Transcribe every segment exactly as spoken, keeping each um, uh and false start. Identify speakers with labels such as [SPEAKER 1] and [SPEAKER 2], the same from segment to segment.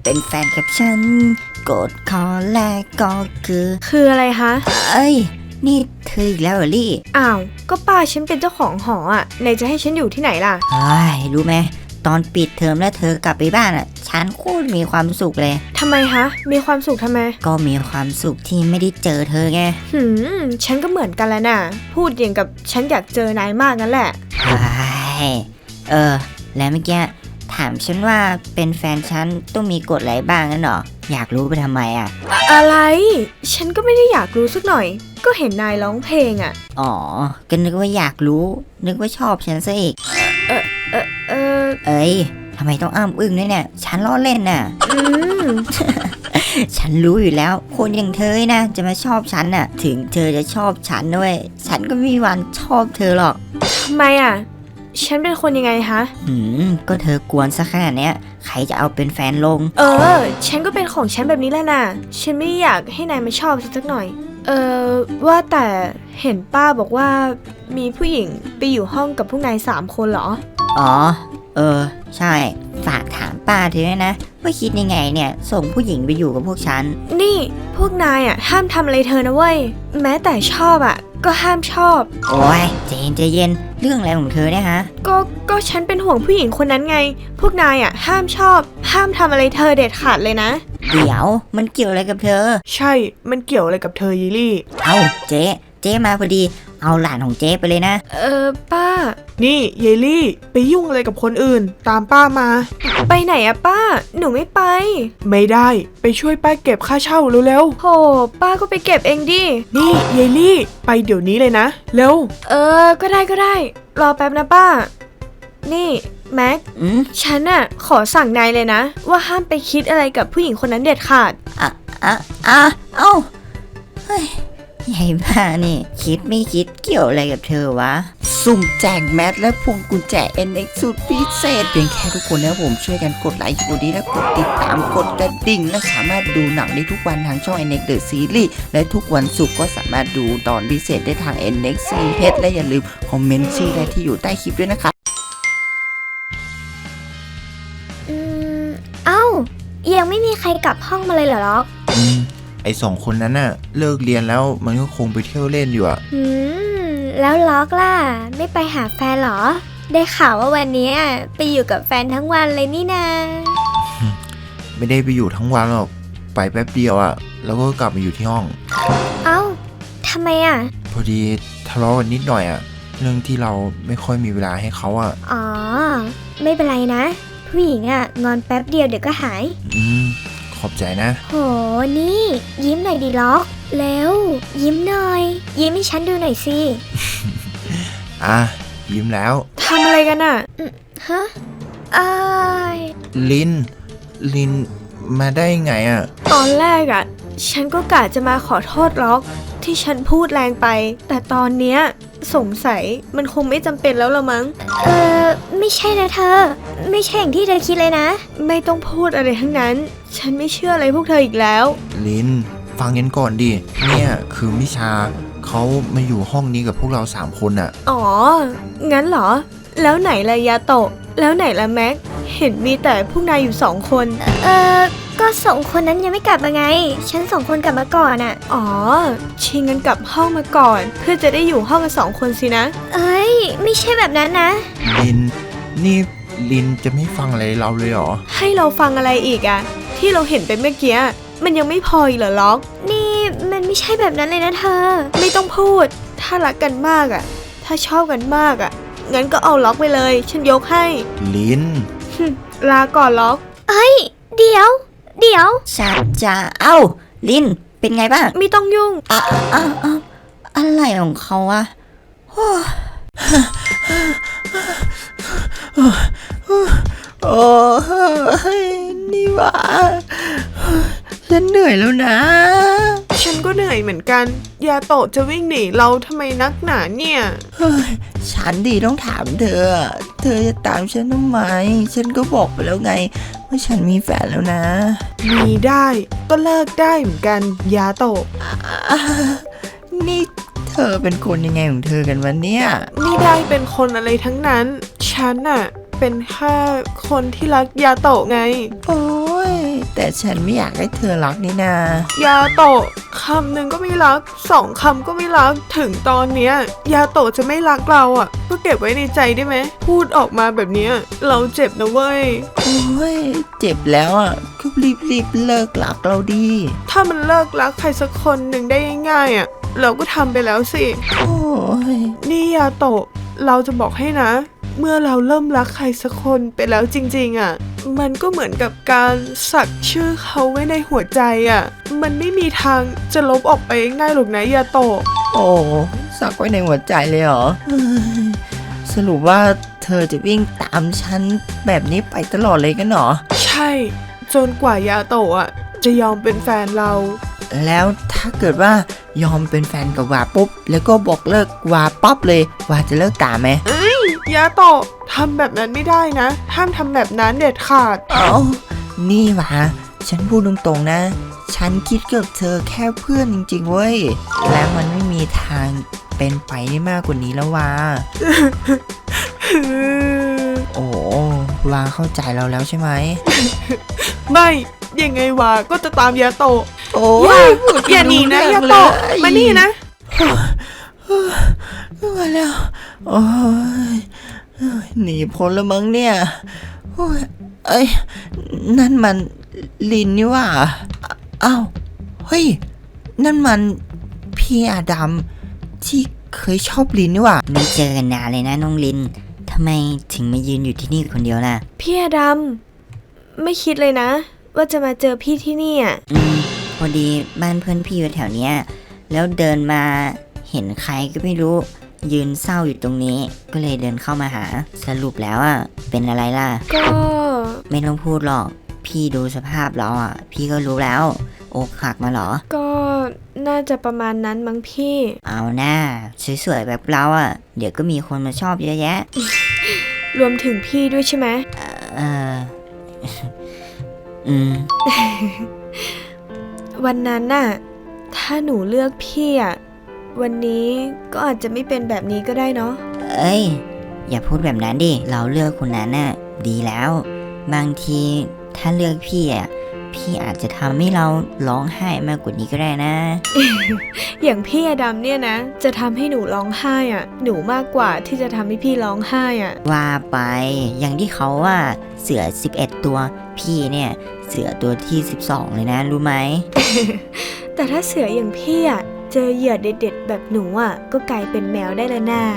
[SPEAKER 1] เป็นแฟนกับฉันกฎข้อแรกก็คือ
[SPEAKER 2] คืออะไรคะ
[SPEAKER 1] เอ้ยนี่เธออีกแล้วเหรอลี่
[SPEAKER 2] อ้าวก็ป้าฉันเป็นเจ้าของหออ่ะไหนจะให้ฉันอยู่ที่ไหนล่ะ
[SPEAKER 1] เฮ้ยรู้ไหมตอนปิดเทอมแล้วเธอกลับไปบ้านอ่ะฉันโคตรมีความสุขเลย
[SPEAKER 2] ทำไมคะมีความสุขทำไม
[SPEAKER 1] ก็มีความสุขที่ไม่ได้เจอเธอไง
[SPEAKER 2] หืมฉันก็เหมือนกันแล้วน่ะพูดอย่างกับฉันอยากเจอนายมากนั่นแหละ
[SPEAKER 1] เฮ้ยเออแล้วเมื่อกี้ถามฉันว่าเป็นแฟนฉันต้องมีกฎอะไรบ้างนั่นหรออยากรู้ไปทำไมอ่ะ
[SPEAKER 2] อะไรฉันก็ไม่ได้อยากรู้สักหน่อยก็เห็นนายร้องเพลงอ่ะ
[SPEAKER 1] อ๋อก็นึกว่าอยากรู้นึกว่าชอบฉันซะอีก
[SPEAKER 2] เออเออเออ
[SPEAKER 1] เอ้ยทำไมต้องอ้ำอึ้งด้วยเนี่ยฉันล้อเล่นน่ะ
[SPEAKER 2] อืม
[SPEAKER 1] ฉันรู้อยู่แล้วคนอย่างเธอนะจะมาชอบฉันน่ะถึงเธอจะชอบฉันด้วยฉันก็ไม่มีวันชอบเธอหรอก
[SPEAKER 2] ทำไมอ่ะฉันเป็นคนยังไงคะ
[SPEAKER 1] หืมก็เธอกวนซะขนาดเนี้ยใครจะเอาเป็นแฟนลง
[SPEAKER 2] เออฉันก็เป็นของฉันแบบนี้แหละนะฉันไม่อยากให้นายมาชอบฉันสักหน่อยเออว่าแต่เห็นป้าบอกว่ามีผู้หญิงไปอยู่ห้องกับพวกนายสามคนเหรอ
[SPEAKER 1] อ๋อเออใช่ฝากถามป้าเธอด้วยนะว่าคิดยังไงเนี่ยส่งผู้หญิงไปอยู่กับพวกฉัน
[SPEAKER 2] นี่พวกนายอ่ะห้ามทำอะไรเธอนะเว้ยแม้แต่ชอบอ่ะก็ห้ามชอบ
[SPEAKER 1] โอ้ยใจเย็นใจเย็นเรื่องอะไรของเธอเนี่ยฮะ
[SPEAKER 2] ก็ก็ฉันเป็นห่วงผู้หญิงคนนั้นไงพวกนายอ่ะห้ามชอบห้ามทำอะไรเธอเด็ดขาดเลยนะ
[SPEAKER 1] เดี๋ยวมันเกี่ยวอะไรกับเธอ
[SPEAKER 2] ใช่มันเกี่ยวอะไรกับเธอยีลี่
[SPEAKER 1] เอ้าเจ๊เจ๊มาพอดีเอาหลานของเจ๊ไปเลยนะ
[SPEAKER 2] เออป้านี่เยลี่ไปยุ่งอะไรกับคนอื่นตามป้ามาไปไหนอะป้าหนูไม่ไปไม่ได้ไปช่วยป้าเก็บค่าเช่าเร็วๆโหป้าก็ไปเก็บเองดินี่เยลี่ไปเดี๋ยวนี้เลยนะเร็วเออก็ได้ก็ได้รอแป๊บนะป้านี่แม็กฉันอะขอสั่งนายเลยนะว่าห้ามไปคิดอะไรกับผู้หญิงคนนั้นเด็ดขาด
[SPEAKER 1] อ่ะอ่ะอ่ะเอ้าเฮ้ยใหญ่บ้านี่คิดไม่คิดเกี่ยวอะไรกับเธอวะสุ่มแจกแมสและพวงกุญแจ เอ็น เอ็กซ์ สุดพิเศษเพียงแค่ทุกคนนะผมช่วยกันกดไลค์กดดีและกดติดตามกดกระดิ่งและสามารถดูหนังได้ทุกวันทางช่อง เอ็น เอ็กซ์ The Series และทุกวันศุกร์ก็สามารถดูตอนพิเศษได้ทาง เอ็น เอ็กซ์ ซี เอช และอย่าลืมคอมเมนต์ชื่อได้ที่อยู่ใต้คลิปด้วยนะครับ
[SPEAKER 3] อืมเอ้ายังไม่มีใครกลับห้องมาเลยเหรอล็อก
[SPEAKER 4] อืมไอสองคนนั้นน่ะเลิกเรียนแล้วมันก็คงไปเที่ยวเล่นอยู่อ่ะ
[SPEAKER 3] อืมแล้วล็อกล่ะไม่ไปหาแฟนเหรอได้ข่าวว่าวันนี้ไปอยู่กับแฟนทั้งวันเลยนี่นา
[SPEAKER 4] ไม่ได้ไปอยู่ทั้งวันหรอกไปแป๊บเดียวอ่ะแล้วก็กลับมาอยู่ที่ห้อง
[SPEAKER 3] เอ้าทำไมอ่ะ
[SPEAKER 4] พอดีทะเลาะกันนิดหน่อยอ่ะเรื่องที่เราไม่ค่อยมีเวลาให้เขาอ่ะ
[SPEAKER 3] อ๋อไม่เป็นไรนะผู้หญิงอ่ะงอนแป๊บเดียวเดี๋ยวก็หาย
[SPEAKER 4] อืมขอบใจนะ
[SPEAKER 3] โหนี่ยิ้มหน่อยดิล็อกแล้วยิ้มหน่อยยิ้มให้ฉันดูหน่อยสิ
[SPEAKER 4] อ่ะยิ้มแล้ว
[SPEAKER 2] ทำอะไรกันอ่ะ
[SPEAKER 3] ฮะอาย
[SPEAKER 4] ลินลินมาได้ไงอ่ะ
[SPEAKER 2] ตอนแรกอ่ะฉันก็กะจะมาขอโทษล็อกที่ฉันพูดแรงไปแต่ตอนเนี้ยสงสัยมันคงไม่จำเป็นแล้วละมั้ง
[SPEAKER 3] เออไม่ใช่นะเธอไม่ใช่อย่างที่เธอคิดเลยนะ
[SPEAKER 2] ไม่ต้องพูดอะไรทั้งนั้นฉันไม่เชื่ออะไรพวกเธออีกแล้ว
[SPEAKER 4] ลินฟังกันก่อนดิเนี่ยคือมิชาเขามาอยู่ห้องนี้กับพวกเราสามคนอะ
[SPEAKER 2] อ๋องั้นเหรอแล้วไหนละยาโตะแล้วไหนละแม็กเห็นมีแต่พวกนายอยู่สองคน
[SPEAKER 3] เออก็สองคนนั้นยังไม่กลับมาไงฉันสองคนกลับมาก่อนอะ
[SPEAKER 2] อ๋อชิงกันกลับห้องมาก่อนเพื่อจะได้อยู่ห้องกันสองคนสินะ
[SPEAKER 3] เอ้ยไม่ใช่แบบนั้นนะ
[SPEAKER 4] ลินนี่ลินจะไม่ฟังอะไรเราเลยเหรอ
[SPEAKER 2] ให้เราฟังอะไรอีกอะที่เราเห็นไปเมื่อกี้มันยังไม่พออีกเหรอล็อก
[SPEAKER 3] นี่มันไม่ใช่แบบนั้นเลยนะเธอ
[SPEAKER 2] ไม่ต้องพูดถ้ารักกันมากอะถ้าชอบกันมากอะงั้นก็เอาล็อกไปเลยฉันยกให้
[SPEAKER 4] ลิน
[SPEAKER 2] ลาก่อนล็อก
[SPEAKER 3] เอ้ยเดี๋ยวเดี๋ยว
[SPEAKER 1] ชัดจ้าเอ้าลินเป็นไงบ้าง
[SPEAKER 2] ไม่ต้องยุ่ง
[SPEAKER 1] อ่ะอ่ะอ่ะอะไรของเขาวะโอ้โอ้นี่วะฉันเหนื่อยแล้วนะ
[SPEAKER 2] ฉันก็เหนื่อยเหมือนกันยาโตะจะวิ่งหนีเราทำไมนักหนาเนี่ย
[SPEAKER 1] ฉันดีต้องถามเธอเธอจะตามฉันทำไมฉันก็บอกไปแล้วไงว่าฉันมีแฟนแล้วนะ
[SPEAKER 2] มีได้ก็เลิกได้เหมือนกันยาโตะ
[SPEAKER 1] นี่เธอเป็นคนยังไงของเธอกันวะเนี่ย
[SPEAKER 2] ไม่ได้เป็นคนอะไรทั้งนั้นฉันน่ะเป็นแค่คนที่รักยาโตะไง
[SPEAKER 1] โอ้ยแต่ฉันไม่อยากให้เธอรักนี่นาย
[SPEAKER 2] าโตะคำหนึ่งก็ไม่รักสองคำก็ไม่รักถึงตอนเนี้ยยาโตะจะไม่รักเราอ่ะก็เก็บไว้ในใจได้ไหมพูดออกมาแบบเนี้ยเราเจ็บนะเว้ย
[SPEAKER 1] โอ้ยเจ็บแล้วอ่ะก็รีบรีบๆเลิกรักเราดี
[SPEAKER 2] ถ้ามันเลิกรักใครสักคนหนึ่งได้ง่ายๆอ่ะเราก็ทำไปแล้วสิ
[SPEAKER 1] โอ้ย
[SPEAKER 2] นี่ยาโตะเราจะบอกให้นะ เมื่อเราเริ่มรักใครสักคนไปแล้วจริงๆอ่ะมันก็เหมือนกับการสักชื่อเขาไว้ในหัวใจอ่ะมันไม่มีทางจะลบออกไปง่ายหรอกนะยาโตะ
[SPEAKER 1] โอ้สักไว้ในหัวใจเลยเหรอเฮ้ยสรุปว่าเธอจะวิ่งตามฉันแบบนี้ไปตลอดเลยกันเหรอ
[SPEAKER 2] ใช่จนกว่ายาโตะอ่ะจะยอมเป็นแฟนเรา
[SPEAKER 1] แล้วถ้าเกิดว่ายอมเป็นแฟนกับวาปุ๊บแล้วก็บอกเลิกวาป๊อบเลยวาจะเลิกตามไหม
[SPEAKER 2] ยาโตะทำแบบนั้นไม่ได้นะห้ามทำแบบนั้นเด็ดขาด
[SPEAKER 1] เอ้านี่วะฉันพูดตรงๆนะ ฉันคิดกับเธอแค่เพื่อนจริงๆเว้ย และมันไม่มีทางเป็นไปได้มากกว่านี้แล้ววะโอ้วาเข้าใจเราแล้วใช่ไหม
[SPEAKER 2] ไม่ยังไงวะก็จะตามยาโตะ
[SPEAKER 1] โอ้
[SPEAKER 2] อย่าอย่าหนีนะยาโตะมานี่นะ
[SPEAKER 1] ไม่ไหวแล้วโอ้ยหนีพ้นแล้วมั้งเนี่ยโอ้ยเอ้ยนั่นมันลินนี่หว่าอ้าวเฮ้ยนั่นมันพี่อาดัมที่เคยชอบลินนี่หว่าไม่เจอกันนานเลยนะน้องลินทำไมถึงมายืนอยู่ที่นี่คนเดียวล่ะ
[SPEAKER 3] พี่อดัมไม่คิดเลยนะ ว่าจะมาเจอพี่ที่นี่อ่ะ
[SPEAKER 1] อืมพอดีบ้านเพื่อนพี่อยู่แถวเนี้ยแล้วเดินมาเห็นใครก็ไม่รู้ยืนเศร้าอยู่ตรงนี้ก็เลยเดินเข้ามาหาสรุปแล้วอ่ะเป็นอะไรล่ะ
[SPEAKER 3] ก็
[SPEAKER 1] ไม่ต้องพูดหรอกพี่ดูสภาพเราอ่ะพี่ก็รู้แล้วอกหักมาเหรอ
[SPEAKER 3] ก็น่าจะประมาณนั้นมั้งพี่
[SPEAKER 1] เอาหน้าสวยๆแบบเราอ่ะเดี๋ยวก็มีคนมาชอบเยอะแยะ
[SPEAKER 3] รวมถึงพี่ด้วยใช่ไหม
[SPEAKER 1] เออ อืม
[SPEAKER 3] วันนั้นน่ะถ้าหนูเลือกพี่อ่ะวันนี้ก็อาจจะไม่เป็นแบบนี้ก็ได้เนาะ
[SPEAKER 1] เอ้ยอย่าพูดแบบนั้นดิเราเลือกคนนั้นน่ะดีแล้ว บางทีถ้าเลือกพี่อ่ะพี่อาจจะทำให้เราร้องไห้มากกว่านี้ก็ได้นะ
[SPEAKER 3] อย่างพี่อดัมเนี่ยนะจะทำให้หนูร้องไห้อ่ะหนูมากกว่าที่จะทำให้พี่ร้องไห้อ่ะ
[SPEAKER 1] ว่าไปอย่างที่เขาว่าเสือสิบเอ็ดตัวพี่เนี่ยเสือตัวที่สิบสองเลยนะรู้ไหม
[SPEAKER 3] แต่ถ้าเสืออย่างพี่อ่ะเจอเหยื่อเด็ดๆแบบหนูอ่ะก็กลายเป็นแมวได้แล้วน่า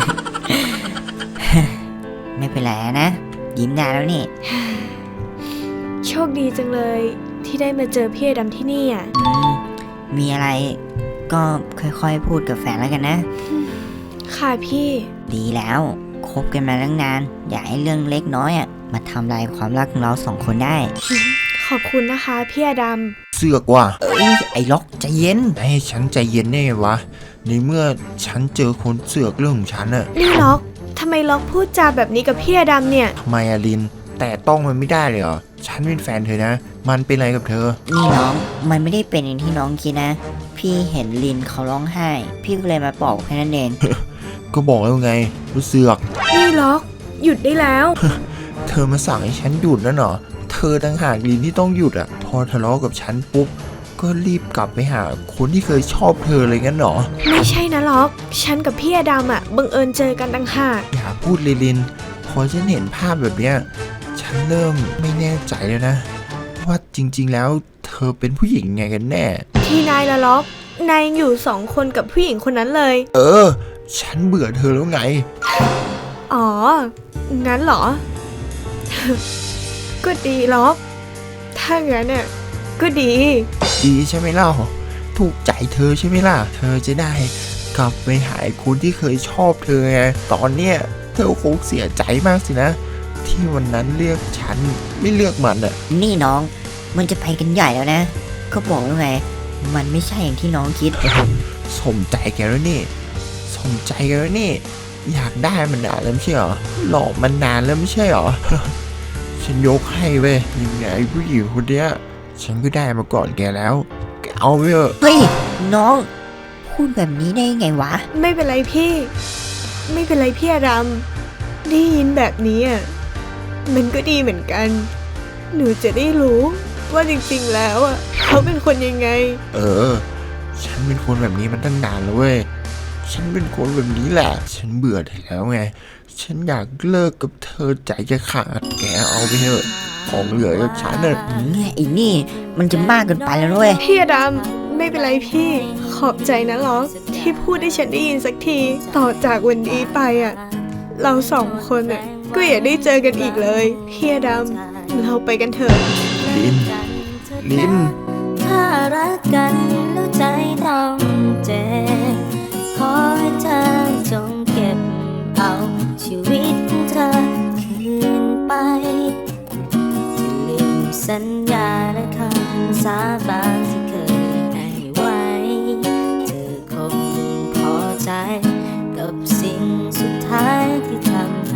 [SPEAKER 1] ไม่เป็นไรนะยิ้มได้แล้วนี่
[SPEAKER 3] โชคดีจังเลยที่ได้มาเจอพี่อดัมที่นี่อ่ะ
[SPEAKER 1] อืมมีอะไรก็ค่อยๆพูดกับแฟนแล้วกันนะ
[SPEAKER 3] ค่ะพี่
[SPEAKER 1] ดีแล้วคบกันมาตั้งนานอย่าให้เรื่องเล็กน้อยอ่ะมาทำลายความรักของเราสองคนได้
[SPEAKER 3] ขอบคุณนะคะพี่อดัม
[SPEAKER 4] เสือกว่ะ
[SPEAKER 1] เอ้ยไอ้ล็อกใจเย็น
[SPEAKER 4] ให้ฉันใจเย็นได้ไงวะในเมื่อฉันเจอคนเสือกเรื่องของฉันอะ
[SPEAKER 3] นี่ล็อกทำไมล็อกพูดจาแบบนี้กับพี่อดัมเนี่ย
[SPEAKER 4] ทำไมอะลิน แต่ต้องมันไม่ได้เลยเหรอฉันเป็นแฟนเธอนะ มันเป็นอะไรกับเธอ
[SPEAKER 1] นี่น้องมันไม่ได้เป็นอย่างที่น้องคิดนะ พี่เห็นลินเขาร้องไห้ พี่ก็เลยมาปลอบแค่นั้นเอง
[SPEAKER 4] ก็บอกแล้วไงรู้เสือก
[SPEAKER 3] นี่ล็อกหยุดได้แล้ว
[SPEAKER 4] เธอมาสั่งให้ฉันหยุดนั่นเหรอเธอต่างหากลินที่ต้องหยุดอะพอทะเลาะกับฉันปุ๊บก็รีบกลับไปหาคนที่เคยชอบเธอเลยงั้นเหรอ
[SPEAKER 3] ไม่ใช่นะล็อกฉันกับพี่อดัมอ่ะบังเอิญเจอกันต่างหาก
[SPEAKER 4] อย่าพูดเลยลิน พอฉันเห็นภาพแบบเนี้ยฉันเริ่มไม่แน่ใจแล้วนะ ว่าจริงๆแล้วเธอเป็นผู้หญิงไงกันแน่
[SPEAKER 3] ที่นายละล็อกนายยังอยู่สองคนกับผู้หญิงคนนั้นเลย
[SPEAKER 4] เออ ฉันเบื่อเธอแล้วไง
[SPEAKER 3] อ๋อ งั้นเหรอ ก็ดีล็อก ถ้างั้นน่ะก็ดี
[SPEAKER 4] ดีใช่ไหมเล่าถูกใจเธอใช่ไหมล่ะ เธอจะได้กลับไปหาคนที่เคยชอบเธอไงตอนเนี้ยเธอคงเสียใจมากสินะ ที่วันนั้นเลือกฉันไม่เลือกมันอะ
[SPEAKER 1] นี่น้องมันจะไปกันใหญ่แล้วนะ ก็บอกแล้วไง มันไม่ใช่อย่างที่น้องคิด
[SPEAKER 4] สมใจแกแล้วนี่ สมใจแกแล้วนี่ อยากได้มันนานแล้วไม่ใช่เหรอ หลอกมันนานแล้วไม่ใช่เหรอ ฉันยกให้เว้ยยังไงผู้หญิงคนเนี้ยฉันก็ได้มาก่อนแกแล้วแกเอาไปเถอะ
[SPEAKER 1] เฮ้ยน้องพูดแบบนี้ได้ไงวะ
[SPEAKER 3] ไม่เป็นไรพี่ ไม่เป็นไรพี่อดัมได้ยินแบบนี้อ่ะ
[SPEAKER 2] มันก็ดีเหมือนกัน หนูจะได้รู้ว่าจริงๆแล้วอ่ะเขาเป็นคนยังไง
[SPEAKER 4] เออ ฉันเป็นคนแบบนี้มันตั้งนานแล้วเว้ย ฉันเป็นคนแบบนี้แหละ ฉันเบื่อเธอแล้วไง ฉันอยากเลิกกับเธอใจจะขาด แกเอาไปเถอะ ของเหลือจากฉันน่ะ
[SPEAKER 1] ไอ้นี่มันจะมากเกินไปแล้วด้วย
[SPEAKER 2] พี่อดำไม่เป็นไรพี่ ขอบใจนะล็อกที่พูดให้ฉันได้ยินสักที ต่อจากวันนี้ไปอ่ะ เราสองคนอ่ะก็อย่าได้เจอกันอีกเลยพี่อดำเราไปกันเถอะ
[SPEAKER 4] ลิน ลิน
[SPEAKER 5] ถ้ารักกันแล้วใจต้องเจ็บขอให้เธอจงเก็บเอาชีวิตเธอคืนไปจะลืมสัญญาและคำสาบาน